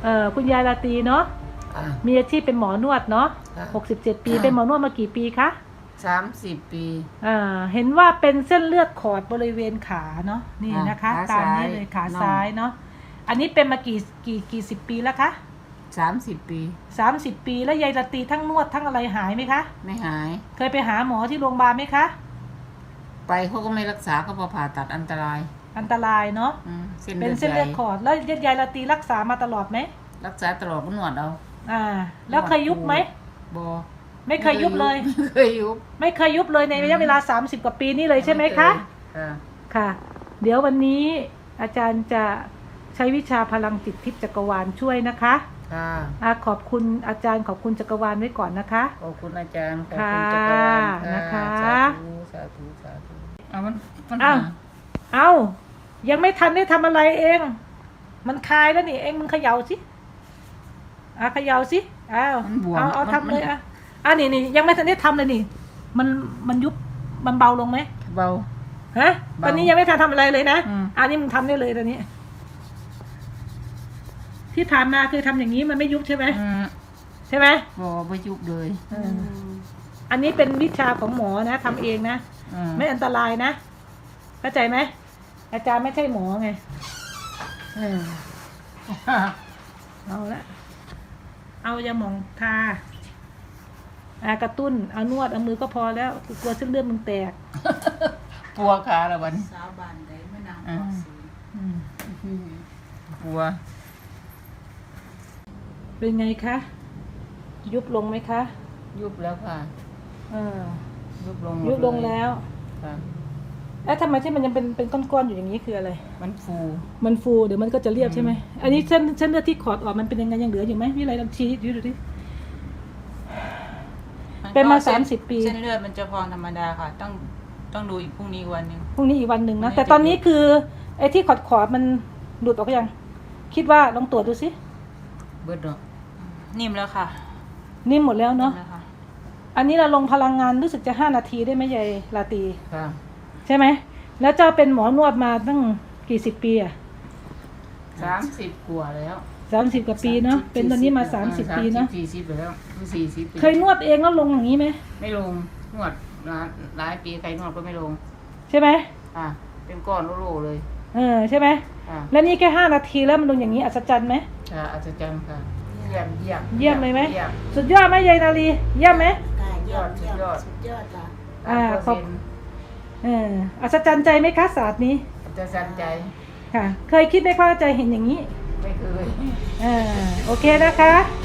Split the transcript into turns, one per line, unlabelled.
คุณยายราตรีเนาะมีอาชีพเป็นหมอนวดเนาะ67 ปีเป็นหมอนวดมากี่ปีคะ
30 ปี
เห็นว่าเป็นเส้นเลือดขอดบริเวณขาเนาะนี่นะคะตามนี้เลยขาซ้ายเนาะอันนี้เป็นมากี่สิบปีแล้วคะ
30 ปี
30 ปีแล้วยายราตรีทั้งนวดทั้งอะไรหายไหมคะ
ไม่หาย
เคยไปหาหมอที่โรงพยาบาลไหมคะ
ไปเขาก็ไม่รักษาก็พอผ่าตัดอันตราย
เนาะเป็นเส้นเลือดขอดแล้วยายราตรีรักษามาตลอดไหม
รักษาตลอดก็นวดเอา
แล้วเคยยุบไหม
บอ
ไม่เคยยุบเลย
ไม่เคย
ยุบเลยในระยะเวลา30 กว่าปีนี่เลยใช่ไหมคะค่ะเดี๋ยววันนี้อาจารย์จะใช้วิชาพลังจิตทิพย์จักรวาลช่วยนะคะขอบคุณอาจารย์ขอบคุณจักรวาลไว้ก่อนนะคะ
ขอบคุณอาจารย์ขอบคุณจักรวาล
นะคะ
สาธุ
เอายังไม่ทันได้ทำอะไรเองมันคลายแล้วนี่เองมึงเขย่าสิเขย่าสิเอาทำเลยนี่ยังไม่ทันได้ทำเลยนี่มันยุบมันเบาลงไหม
เบา
ตอนนี้ยังไม่ทันทำอะไรเลยนะนี่มึงทำได้เลยตอนนี้ที่ผ่านมาคือทำอย่างนี้มันไม่ยุบใช่ไหมใช่ไหม
ไม่ยุบเลย
อันนี้เป็นวิชาของหมอนะทำเองนะไม่อันตรายนะเข้าใจไหมอาจารย์ไม่ใช่หมอไงเอาละเอายาหม่องทากระตุ้นเอานวดเอามือก็พอแล้วกลัวเส้นเลือดมึงแตก
ปัวขาละวัน
สาวบานได้ไม่นาน
ปัว
เป็นไงคะยุบลงไหมคะ
ยุบแล้วค่ะยุบ
ลงแล้วแล้วทำไมที่มันยังเป็นก้อนๆอยู่อย่างนี้คืออะไร
มัน
ฟูเดี๋ยวมันก็จะเรียบใช่ไหมอันนี้เส้นเลือดที่ขอดออกมันเป็นยังไงยังเหลืออยู่ไหมวิไลลองชี้ดูดิเป็นมา30 ปี
เส้นเลือดมันจะพองธรรมดาค่ะต้องดูอีกพรุ่งนี้อีกวันหนึ่ง
นะแต่ตอนนี้คือไอ้ที่ขอดมันหลุดออกไปยังคิดว่าลองตรวจดูสิ
เบิดเนาะ
นิ่มแล้วค่ะ
นิ่มหมดแล้วเนาะอันนี้เราลงพลังงานรู้สึกจะ5 นาทีได้ไหมยายราตรีใช่ไหมแล้วเจ้าเป็นหมอนวดมาตั้งกี่10 ปี
30 กว่าแล้ว
30 กว่าปีเนาะเป็นตอนนี้มา30 ปีเนาะ
40แล้ว40 ปี
เคยนวดเองแล้วลงอย่างนี้ไหม
ไม่ลงนวดหลายปีใครนวดก็ไม่ลง
ใช่ไหม
เป็นก้อนโล่เลย
ใช่ไหมแล้วนี่แค่5 นาทีแล้วมันลงอย่างนี้อัศจรรย์ไหม
อัศจรรย์ค่ะเ
ยี่ยมเลยไหมสุดยอดไหมยายนาลีเยี่ยมไหม
ยอด
ค่ะ
ขอบอัศจรรย์ใจไหมคะศาสตร์นี้
อัศจรรย์ใจ
ค่ะเคยคิดไหมว่าใจเห็นอย่างนี้
ไม่เคย
โอเคนะคะ